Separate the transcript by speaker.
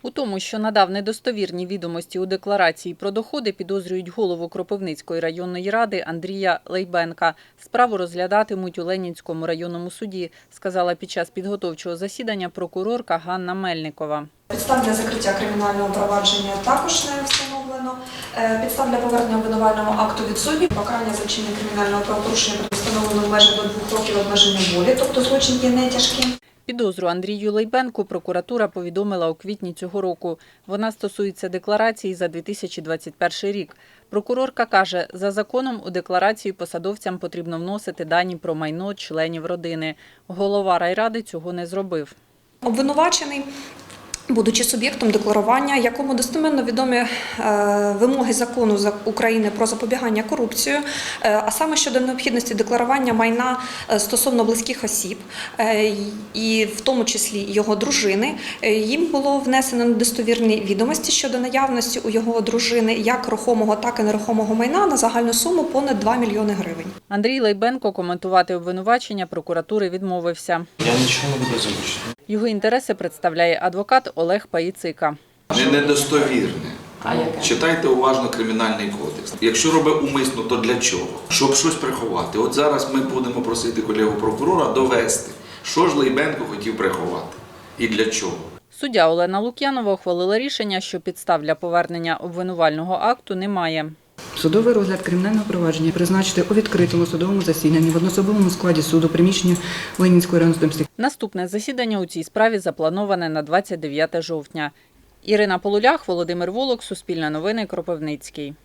Speaker 1: У тому, що надав недостовірні відомості у декларації про доходи, підозрюють голову Кропивницької районної ради Андрія Лейбенка. Справу розглядатимуть у Ленінському районному суді, сказала під час підготовчого засідання прокурорка Ганна Мельникова.
Speaker 2: Підстав для закриття кримінального провадження також не встановлено. Підстав для повернення обвинувального акту відсутні. Покарання за вчинення кримінального правопорушення встановлено в межах до 2 років обмеження волі, тобто злочин є не тяжким.
Speaker 1: Підозру Андрію Лейбенку прокуратура повідомила у квітні цього року. Вона стосується декларації за 2021 рік. Прокурорка каже, за законом у декларацію посадовцям потрібно вносити дані про майно членів родини. Голова райради цього не зробив.
Speaker 2: Обвинувачений, будучи суб'єктом декларування, якому достеменно відомі вимоги закону України про запобігання корупції, а саме щодо необхідності декларування майна стосовно близьких осіб, і в тому числі його дружини, їм було внесено недостовірні відомості щодо наявності у його дружини як рухомого, так і нерухомого майна на загальну суму понад 2 мільйони гривень.
Speaker 1: Андрій Лейбенко коментувати обвинувачення прокуратури відмовився.
Speaker 3: Я нічого не буду озвучити.
Speaker 1: Його інтереси представляє адвокат Олег Паїцика.
Speaker 4: Недостовірне.
Speaker 5: А яке?
Speaker 4: Читайте уважно Кримінальний кодекс. Якщо робить умисно, то для чого? Щоб щось приховати. От зараз ми будемо просити колегу прокурора довести, що ж Лейбенко хотів приховати і для чого.
Speaker 1: Суддя Олена Лук'янова ухвалила рішення, що підстав для повернення обвинувального акту немає.
Speaker 5: Судовий розгляд кримінального провадження призначити у відкритому судовому засіданні в одноособовому складі суду приміщення Ленінської районної судом.
Speaker 1: Наступне засідання у цій справі заплановане на 29 жовтня. Ірина Полулях, Володимир Волок, Суспільне новини, Кропивницький.